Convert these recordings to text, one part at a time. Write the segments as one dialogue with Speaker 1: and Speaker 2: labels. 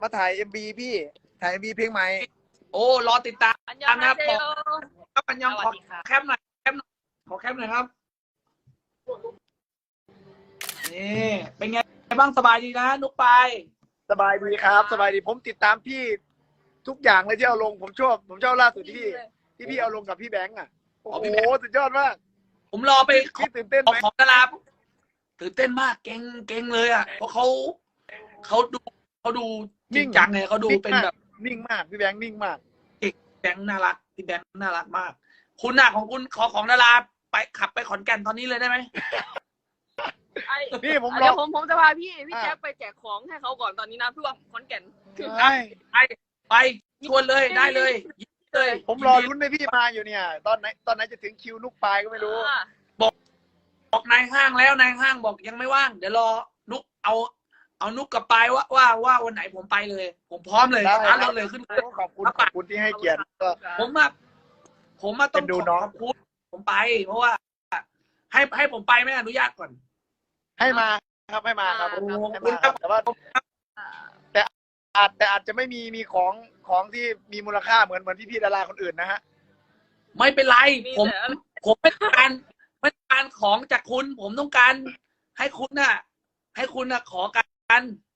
Speaker 1: มาถ่ายMVพี่ถ่ายMVเพลงใหม่
Speaker 2: โอ้รอติดตาม
Speaker 3: อันยอง
Speaker 2: นะครับ
Speaker 3: เซ
Speaker 2: บอก
Speaker 3: โย
Speaker 2: ครับอันยอง
Speaker 3: ส
Speaker 2: ข
Speaker 3: วั
Speaker 2: อ
Speaker 3: สดีครับ
Speaker 2: แคปหน่อยขอแคปหน่อยครับนี่เป็นไงบ้างสบายดีนะนุกไป
Speaker 1: สบายดีครับสบายดีผมติดตามพี่ทุกอย่างเลยที่เอาลงผมชอบล่าสุดที่พี่เอาลงกับพี่แบงค์อ่ะโอ้โหสุดยอดมาก
Speaker 2: ผมรอไปขอ
Speaker 1: พี่ตื่นเต้นไหม
Speaker 2: ของดาราตื่นเต้นมากเก่งเลยอ่ะเพราะเขาดูจริงจังเลยเขาดูเป็นแบบ
Speaker 1: นิ่งมากพี่แบงค์นิ่งมาก
Speaker 2: แบงค์น่ารักพี่แบงค์น่ารักมาก คุณน่ะของคุณขอของดาราไปขับไปขอนแก่นตอนนี้เลยได้ไหม
Speaker 1: นี่ผมร
Speaker 3: เดี๋
Speaker 1: อ
Speaker 3: ยวผมจะพาพี่แจ๊คไปแจกของให้เขาก่อนตอนนี้น้ำท่วมขอนแก่น
Speaker 1: ใช่
Speaker 2: ไปชวนเลยได้เลยยินดีเลย
Speaker 1: ผมรอลุ้นให้พี่มาอยู่เนี่ย ตอนไหนจะถึงคิวนุกปลายก็ไม่รู้
Speaker 2: บอกนายห้างแล้วนายห้างบอกยังไม่ว่างเดี๋ยวรอนุกเอานุกกับปายว่าวันไหนผมไปเลย ผมพร้อมเลย
Speaker 1: ได้
Speaker 2: ร้านเราเลยขึ้นเลย
Speaker 1: ขอบคุณที่ให้เกียรติก็
Speaker 2: ผมมาต้อง
Speaker 1: เป็นดูน้อง
Speaker 2: ขอบคุณผมไป เพราะว่า ให้ผมไปไม่อนุญาตก่อน
Speaker 1: ให้มาครับให้มาครับ
Speaker 2: โอ้
Speaker 1: ให้
Speaker 2: คุ
Speaker 1: มา
Speaker 2: ณ
Speaker 1: ครับแต่ว่าแต่อาจจะไม่มีของที่มีมูลค่าเหมือนพี่ดาราคนอื่นนะฮะ
Speaker 2: ไม่เป็นไรผมไม่ต้องการของจากคุณ ผมต้องการให้คุณน่ะขอกัน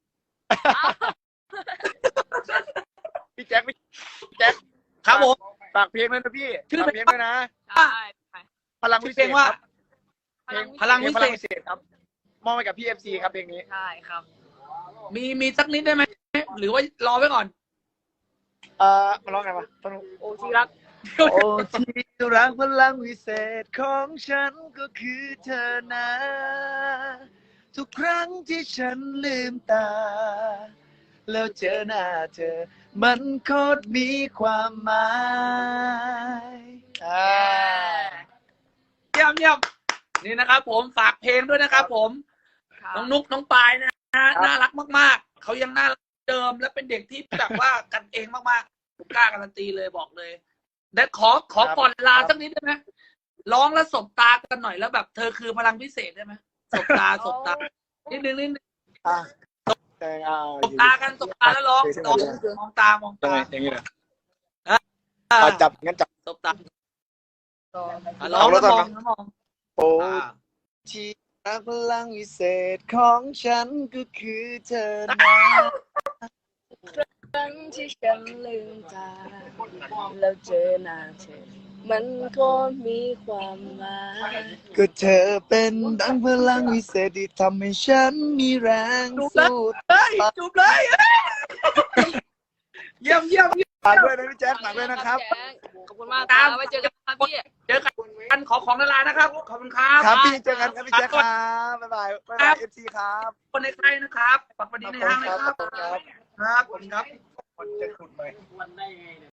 Speaker 1: พี่แจ็ค
Speaker 2: ครับผม
Speaker 1: ฝากเพลงด้วยนะพี่
Speaker 2: ชื่อ
Speaker 1: ฝากเพลงด้วยนะ
Speaker 3: ใช่
Speaker 1: พลังวิเศ
Speaker 2: เพล
Speaker 1: ษ
Speaker 2: งว่า
Speaker 1: ครับ
Speaker 2: พลังวิเศษ
Speaker 1: พลังวิเศษครับมอบให้กับพี่FCครับเพลงนี้
Speaker 3: ใช่ครับ
Speaker 2: มีสักนิดได้ไหมหรือว่ารอไว้ก่อน
Speaker 1: มาร้องไงวะต้น
Speaker 3: โอ้ที่รัก
Speaker 1: โอ้ที่รักพลังวิเศษของฉันก็คือเธอนะ ทุกครั้งที่ฉันลืมตา แล้วเจอหน้าเธอ มันโคตรมีความหมาย
Speaker 2: เยี่ยมนี่นะครับ ผมฝากเพลงด้วยนะครับ ผมน้องนุ๊กน้องปายนะน่ารักมากๆเขายังน่ารักเดิมและเป็นเด็กที่แบบว่ากันเองมากๆผมกล้าการันตีเลยบอกเลยแต่ขอก่อนลาสักนิดได้ไหมร้องแล้วสบตากันหน่อยแล้วแบบเธอคือพลังพิเศษได้ไหมสบตานิดนึงสบตากันสบตาแล้วร้องมองตามองตา
Speaker 1: อย่างนี้เลย
Speaker 2: อ่า
Speaker 1: จับงั้นจับ
Speaker 2: สบตาร้องแล้วมอง
Speaker 1: โอ้ที่รักพลังวิเศษของฉันก็คือเธอนะ
Speaker 3: ครั้งที่ฉันลืมตาแล้วเจอหน้าเธอมันก็มีความหมาย
Speaker 1: ก็เธอเป็นดังพลังวิเศษที่ทำให้ฉันมีแรงสู้
Speaker 2: จูบเลยเยี่ยม
Speaker 1: ฝากด้วยนะพี่แจ๊คฝากด้วยนะครับ
Speaker 3: ขอบคุณมากครับไว้เจอกันครับพี่
Speaker 2: เจอกันขอของดารานะครับขอบคุณครับ
Speaker 1: ครับพี่เจอกันครับพี่แจ๊คครับบ๊ายบายFC ครับ
Speaker 2: คนในใครนะครับฝากวันนี้ในห้างเลยครับ
Speaker 1: ครับ
Speaker 2: ครับผมครับ
Speaker 1: คนจะขุดไหม